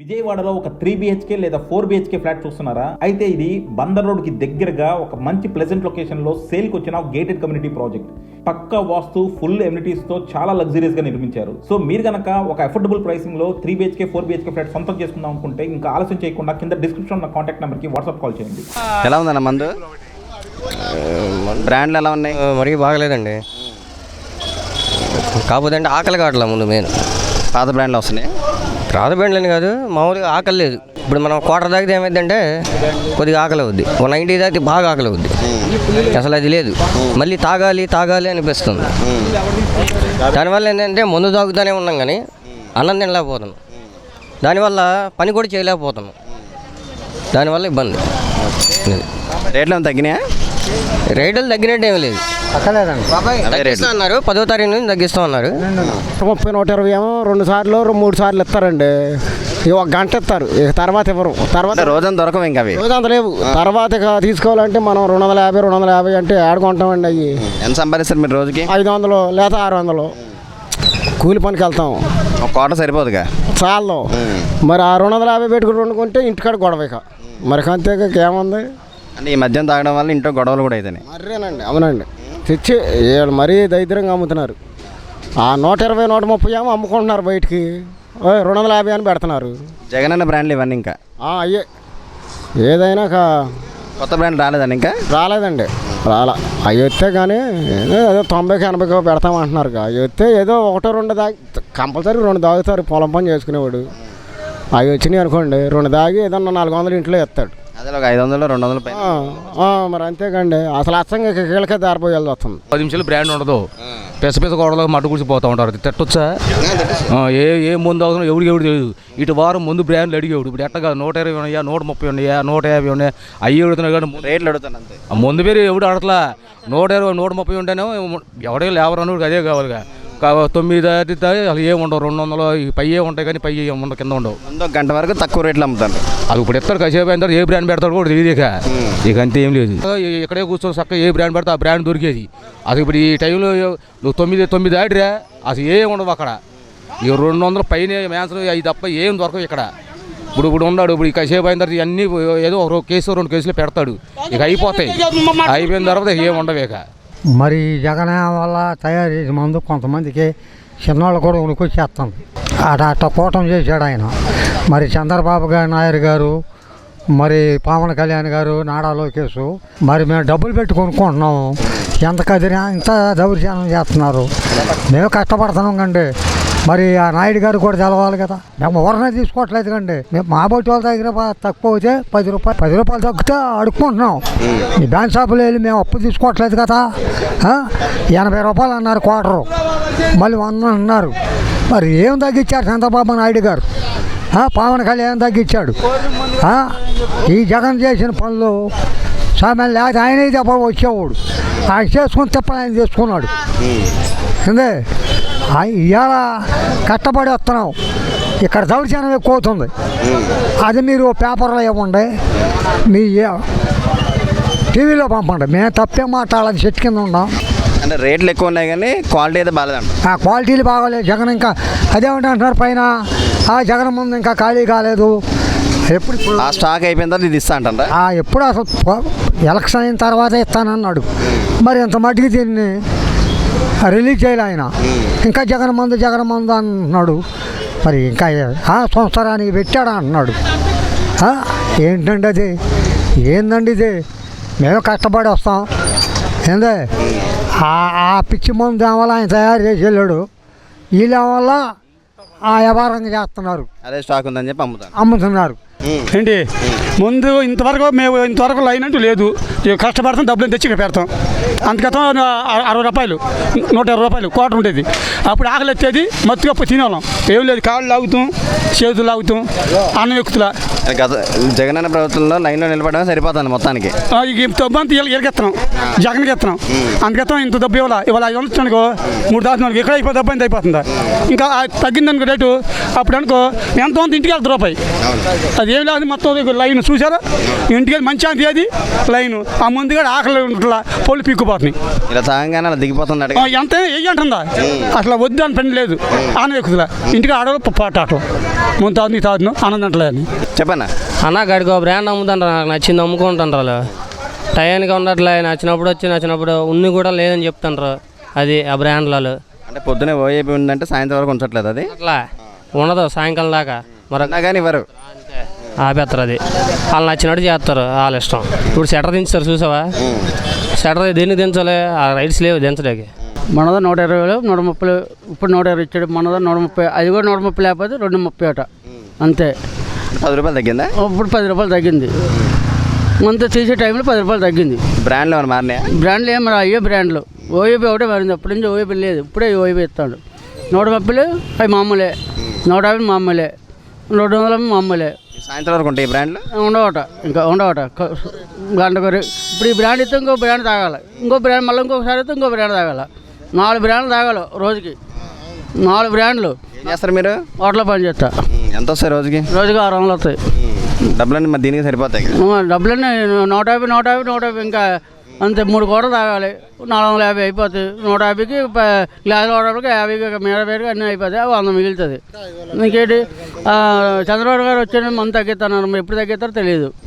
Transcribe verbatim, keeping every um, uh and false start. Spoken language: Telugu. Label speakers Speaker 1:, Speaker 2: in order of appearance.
Speaker 1: విజయవాడలో ఒక త్రీ బిహెచ్కే లేదా ఫోర్ బిహెచ్కే ఫ్లాట్ చూస్తున్నారా? అయితే ఇది బందర్ రోడ్ కి దగ్గరగా ఒక మంచి ప్లెజెంట్ లొకేషన్ లో సేల్ కి వచ్చిన గేటెడ్ కమ్యూనిటీ ప్రాజెక్ట్. పక్కా వాస్తు, ఫుల్ ఎమ్యూనిటీస్ తో చాలా లగ్జరీస్ గా నిర్మించారు. సో మీరు గనక ఒక అఫోర్డబుల్ ప్రైసింగ్ లో three BHK four BHK flat సొంతం చేసుకుందాం అనుకుంటే ఇంకా ఆలస్యం చేయకుండా కింద డిస్క్రిప్షన్ ఉన్న కాంటాక్ట్ నెంబర్ కి వాట్సాప్ కాల్ చేయండి.
Speaker 2: ఎలా ఉందన్న మందు? బ్రాండ్లు ఎలా ఉన్నాయి?
Speaker 3: మరీ బాగలేదండి. కాకపోతే అంటే ఆకలి కావట్లే ముందు మెయిన్.
Speaker 2: పాత బ్రాండ్లు వస్తున్నాయి.
Speaker 3: పాత బ్రాండ్లని కాదు, మామూలుగా ఆకలి లేదు. ఇప్పుడు మనం క్వార్టర్ తాగితే ఏమైందంటే కొద్దిగా ఆకలి అవుద్ది, ఒక నైంటీ తాగితే బాగా ఆకలి అవుద్ది. అసలు అది లేదు, మళ్ళీ తాగాలి తాగాలి అనిపిస్తుంది. దానివల్ల ఏంటంటే మందు తాగుతూనే ఉన్నాం కానీ అన్నం తినలేకపోతున్నాం, దానివల్ల పని కూడా చేయలేకపోతున్నాం, దానివల్ల ఇబ్బంది.
Speaker 2: రేట్లు తగ్గినాయా?
Speaker 3: రేట్లు తగ్గినట్టు ఏమీ లేదు, తగ్గిస్తా అన్నారు. పదో తారీఖు నుంచి తగ్గిస్తా ఉన్నారు.
Speaker 4: ముప్పై నూట ఇరవై ఏమో రెండు సార్లు మూడు సార్లు ఇస్తారండి. ఒక గంట ఇస్తారు, తర్వాత ఇవ్వరు. తర్వాత
Speaker 2: రోజంతా దొరకవు ఇంకా అవి,
Speaker 4: రోజంతా లేవు. తర్వాత తీసుకోవాలంటే మనం రెండు వందల యాభై రెండు వందల యాభై అంటే ఆడుకుంటామండి. అవి
Speaker 2: ఎంత సంపాదిస్తారు మీరు రోజుకి?
Speaker 4: ఐదు వందలు లేదా ఆరు వందలు కూలి పనికి వెళ్తాం.
Speaker 2: ఒక కోట సరిపోదుగా,
Speaker 4: చాలు. మరి ఆ రెండు వందల యాభై పెట్టుకుని వండుకుంటే ఇంటికాడ గొడవ. ఇక మరి అంతేగా ఏముంది
Speaker 2: అంటే ఈ మద్యం తాగడం వల్ల ఇంట్లో గొడవలు కూడా అవుతాయి.
Speaker 4: మర్రేనండి, అవునండి. తెచ్చి మరీ దరిద్రంగా అమ్ముతున్నారు. ఆ నూట ఇరవై నూట ముప్పై ఏమో అమ్ముకుంటున్నారు బయటికి, రెండు వందల యాభై అని పెడుతున్నారు.
Speaker 2: జగన్ అన్న బ్రాండ్లు ఇవన్నీ ఇంకా
Speaker 4: అయ్యే ఏదైనా
Speaker 2: కొత్త బ్రాండ్ రాలేదండి? ఇంకా
Speaker 4: రాలేదండి, రాలా. అవి వస్తే కానీ ఏదో తొంభైకి ఎనభైకి పెడతామంటున్నారు. అవి వస్తే ఏదో ఒకటో రెండు దాగి కంపల్సరీ రెండు దాగుతారు పొలం పని చేసుకునేవాడు. అవి వచ్చినాయి అనుకోండి, రెండు దాగి ఏదన్నా నాలుగు వందలు ఇంట్లో ఎత్తాడు.
Speaker 2: అదే ఒక ఐదు వందలు రెండు వందలు పైన.
Speaker 4: మరి అంతేకండి, అసలు అచ్చంగా కీళ్ళకే దారిపోయాల్సి వస్తుంది.
Speaker 5: పది నిమిషాలు బ్రాండ్ ఉండదు, పెస పెస గోడలో మట్టు కూర్చిపోతూ ఉంటారు. తిట్టొచ్చా? ఏ ఏ ముందు అవుతున్నా ఎవరికి ఎవరు తెలియదు. ఇటు వారం ముందు బ్రాండ్లు అడిగేవాడు. ఇప్పుడు ఎట్టగా నూట ఇరవై ఉన్నాయా, నూట ముప్పై ఉన్నాయా, నూట యాభై ఉన్నాయా, అయ్యి అడుగుతున్నాయి కానీ
Speaker 2: రేట్లు అడుగుతాను అంతే.
Speaker 5: ముందు పేరు ఎవడు అడగట్లా. నూట ఇరవై నూట ముప్పై ఉంటేనే ఎవడే లేవరు అన్నాడు, అదే కావాలిగా. తొమ్మిది దాటితే అసలు ఏమి ఉండవు, రెండు వందలు పై ఏ ఉంటాయి కానీ పై ఉండవు, కింద ఉండవు.
Speaker 2: ముందు గంట వరకు తక్కువ రేట్లు అమ్ముతాను.
Speaker 5: అది ఇప్పుడు ఎత్తాడు, కాసేపు అయిన తర్వాత ఏ బ్రాండ్ పెడతాడు కూడా తెలియదు. ఇక ఇక అంతే ఏం లేదు. ఇక్కడే కూర్చొని చక్కగా ఏ బ్రాండ్ పెడితే ఆ బ్రాండ్ దొరికేది. అది ఇప్పుడు ఈ టైంలో నువ్వు తొమ్మిది తొమ్మిది దాటిరా అసలు ఏం ఉండవు అక్కడ. ఇక రెండు వందల పైన మ్యాన్సన్ అవి తప్ప ఏం దొరకవు ఇక్కడ. ఇప్పుడు ఇప్పుడు ఉన్నాడు, ఇప్పుడు కాసేపు అయిన తర్వాత ఇవన్నీ ఏదో ఒక కేసు రెండు కేసులు పెడతాడు, ఇక అయిపోతాయి. అయిపోయిన తర్వాత ఏం ఉండవు ఇక.
Speaker 6: మరి జగన్ వల్ల తయారు చేసే మందు కొంతమందికి చిన్నవాళ్ళు కూడా ఉనికొచ్చేస్తుంది. అట అట్ట కూటం చేశాడు ఆయన. మరి చంద్రబాబు గారు నాయుడు గారు, మరి పవన్ కళ్యాణ్ గారు, నారా లోకేష్, మరి మేము డబ్బులు పెట్టి కొనుక్కుంటున్నాము. ఎంత కదిరి ఎంత దౌర్జన్యం చేస్తున్నారు. మేము కష్టపడుతున్నాం కండి. మరి ఆ నాయుడు గారు కూడా తెలవాలి కదా. మేము ఎవరినే తీసుకోవట్లేదు కండి. మేము మా బొట్టి వాళ్ళ దగ్గర తక్కువ అయితే పది రూపాయలు పది రూపాయలు తగ్గితే అడుక్కుంటున్నాం. ఈ బ్యాంక్ షాపులో వెళ్ళి మేము అప్పు తీసుకోవట్లేదు కదా. ఎనభై రూపాయలు అన్నారు క్వార్టరు, మళ్ళీ వంద అన్నారు. మరి ఏం తగ్గించారు చంద్రబాబు నాయుడు గారు? పవన్ కళ్యాణ్ తగ్గించాడు. ఈ జగన్ చేసిన పనులు సామాన్లు లేకపోతే ఆయనే తప్ప వచ్చేవాడు. ఆయన చేసుకుని తప్ప ఆయన చేసుకున్నాడు. అందే ఇవాళ కష్టపడి వస్తున్నాం, ఇక్కడ దౌర్జన్యం ఎక్కువ అవుతుంది. అది మీరు పేపర్లో ఇవ్వండి, మీ టీవీలో పంపండి. మేము తప్పే మాట్లాడాలని చెట్టు కింద ఉన్నాం.
Speaker 2: అంటే రేట్లు ఎక్కువ ఉన్నాయి కానీ క్వాలిటీ అయితే బాగాలేదంట.
Speaker 6: ఆ క్వాలిటీలు బాగాలేదు. జగన్ ఇంకా అదేమంటే అంటున్నారు పైన, ఆ జగన్ ముందు ఇంకా ఖాళీ కాలేదు. ఎప్పుడు
Speaker 2: ఆ స్టాక్ అయిపోయిన తర్వాత ఇది ఇస్తా అంటారా?
Speaker 6: ఎప్పుడు అసలు ఎలక్షన్ అయిన తర్వాత ఇస్తానన్నాడు. మరి ఇంత మట్టికి దీన్ని రిలీజ్ చేయాలి ఆయన. ఇంకా జగన్ మందు జగన్ మందు అంటున్నాడు. మరి ఇంకా సంవత్సరానికి పెట్టాడా అంటున్నాడు. ఏంటండి అది? ఏందండి ఇది? మేము కష్టపడి వస్తాం. ఏందే ఆ పిచ్చి మందు వల్ల ఆయన తయారు చేసి వెళ్ళాడు. వీళ్ళ వల్ల ఆ వ్యాపారంగా చేస్తున్నారు.
Speaker 2: అదే స్టాక్ ఉందని చెప్పి అమ్ముతాను
Speaker 6: అమ్ముతున్నారు.
Speaker 7: ఏంటి ముందు ఇంతవరకు మేము ఇంతవరకు లైన్ అంటూ లేదు. కష్టపడతాం, డబ్బులు తెచ్చి ఇక్కడ పెడతాం. అందుకతం అరవై రూపాయలు నూట ఇరవై రూపాయలు కోట ఉండేది. అప్పుడు ఆకలి ఎత్తేది, మత్తుగా తినేవాళ్ళం. ఏం లేదు, కాళ్ళు లాగుతాం, చేతులు లాగుతాం, అన్నం ఎక్కుతులా.
Speaker 2: గత జగన్ అన్న ప్రభుత్వంలో లైన్లో నిలబడడం సరిపోతుంది మొత్తానికి.
Speaker 7: డబ్బు అంతా ఎరగెత్తనం, జగన్కి ఎత్తనం. అందుకెత్తాం. ఇంత డబ్బు ఇవ్వాలి, ఇవాళ ఐదు వందలు అనుకో మూడు దాచుకోవాలి. ఎక్కడ అయిపోతే డబ్బు అంత అయిపోతుందా? ఇంకా తగ్గిందనుకో రేటు, అప్పుడు అనుకో ఎంత అంత ఇంటికి వెళ్తారు రూపాయి. అది ఏం లేదు, మొత్తం లైన్ చూసారా? ఇంటికి మంచి అంత అది లైన్. ఆ ముందుగా ఆకలి ఉంటుందా పొలి పీక్కుపోతున్నాయి.
Speaker 2: ఇలా తాగంగానే అలా దిగిపోతున్నాడు.
Speaker 7: ఆ, ఎంత వెయ్యి అంటుందా అసలు వద్దు అని పని లేదు. ఆనందం ఎక్కుతుందా ఇంటికి ఆడవాళ్ళు పాట అట్లా ముందు తాదు నీ తాదును ఆనందం అంటలేదు.
Speaker 2: చెప్పన్నా
Speaker 3: అన్న గడికి ఒక బ్రాండ్ అమ్ముతుంటారు, నాకు నచ్చింది అమ్ముకుంటుంటారు వాళ్ళు. టయానికి ఉండట్లే, నచ్చినప్పుడు వచ్చి నచ్చినప్పుడు ఉన్ని కూడా లేదని చెప్తుంటారు. అది ఆ బ్రాండ్లలో
Speaker 2: అంటే పొద్దునే ఓఏపీ ఉందంటే సాయంత్రం వరకు ఉంచట్లేదు. అది
Speaker 3: అట్లా ఉండదు సాయంకాలం దాకా. మరి
Speaker 2: అన్నా కానీ ఇవ్వరు,
Speaker 3: ఆపేస్తారు. అది వాళ్ళు నచ్చినట్టు చేస్తారు, వాళ్ళ ఇష్టం. ఇప్పుడు షటర్ దించుతారు చూసావా, షటర్ దేనికి దించాలి, ఆ రైట్స్ లేవు దించడానికి.
Speaker 8: మనదా నూట ఇరవై వేలు నూట ముప్పై ఇప్పుడు నూట ఇరవై ఇచ్చాడు. మనదా నూట ముప్పై, అది కూడా నూట ముప్పై లేకపోతే రెండు ముప్పై అట అంతే.
Speaker 2: పది రూపాయలు తగ్గిందా?
Speaker 8: ఇప్పుడు పది రూపాయలు తగ్గింది. అంత తీసే టైంలో పది రూపాయలు తగ్గింది.
Speaker 2: బ్రాండ్లు ఏమైనా మారినాయా?
Speaker 8: బ్రాండ్లు ఏం మరి అయ్యే బ్రాండ్లు. ఓఏపీ ఒకటే మారింది, అప్పటి నుంచి ఓఏపీ లేదు, ఇప్పుడే ఓఏపీ ఇస్తాడు. నూట ముప్పైలు అవి మామూలే, నూట యాభై మామూలే, రెండు వందల మామూలే.
Speaker 2: సాయంత్రం వరకు ఉంటాయి ఈ బ్రాండ్లు
Speaker 8: ఉండవట, ఇంకా ఉండవట గంట కొరి. ఇప్పుడు ఈ బ్రాండ్ ఇస్తే ఇంకో బ్రాండ్ తాగాలి, ఇంకో బ్రాండ్ మళ్ళీ ఇంకొకసారి అయితే ఇంకో బ్రాండ్ తాగాలి. నాలుగు బ్రాండ్లు తాగాలి రోజుకి, నాలుగు బ్రాండ్లు.
Speaker 2: ఏం చేస్తారు మీరు?
Speaker 8: హోటల్లో పని చేస్తా.
Speaker 2: ఎంత వస్తాయి రోజుకి?
Speaker 8: రోజుకి ఆరు వందలు వస్తాయి.
Speaker 2: డబ్బులన్నీ మరి దీనికి సరిపోతాయి.
Speaker 8: డబ్బులన్నీ నూట యాభై నూట యాభై నూట యాభై ఇంకా అంతే. మూడు కోటలు తాగాలి, నాలుగు వందల యాభై అయిపోతాయి. నూట యాభైకి గ్లాసులు వాడడానికి యాభైకి మీద పేరుకి అన్నీ అయిపోతాయి, అవి వంద మిగులుతుంది. ఇంకేంటి చంద్రబాబు గారు వచ్చే మంది తగ్గిస్తాను, ఎప్పుడు తగ్గిస్తారో తెలియదు.